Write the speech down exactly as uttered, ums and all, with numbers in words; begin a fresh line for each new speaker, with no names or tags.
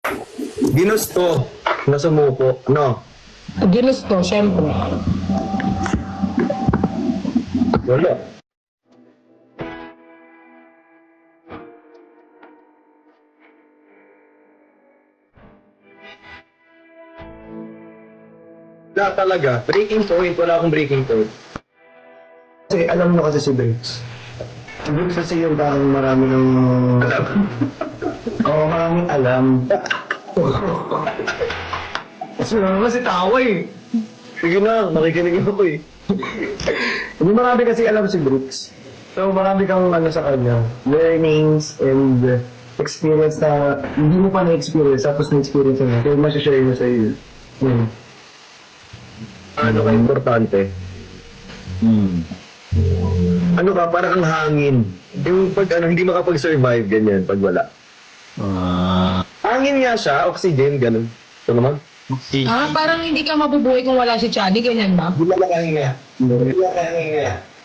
Ginusto na sumuko, no?
Ginusto, syempre.
Wala. Wala talaga. Breaking point, wala akong breaking point.
Kasi alam mo kasi si Briggs. Si Briggs kasi yung parang marami ng...
Alam.
Oo, maraming alam. Kasi naman kasi tawa eh.
Sige na, nakikinig ako eh.
Hindi marami kasi alam si Briggs. So marami kang ano sa kanya, learnings and uh, experience na hindi mo pa na-experience, tapos na-experience na. Kaya masashare niya sa iyo. Hmm.
Ano ka importante?
Hmm.
Ano ka, parang ang hangin. Yung pag ano, hindi makapag-survive, ganyan, pag wala.
Ah.
Hangin nga siya, oxygen, ganun. Ito naman.
Ah, parang hindi ka mabubuhay kung wala si Chani, ganyan ba?
Hindi lang hangin nga. Hindi lang hangin nga.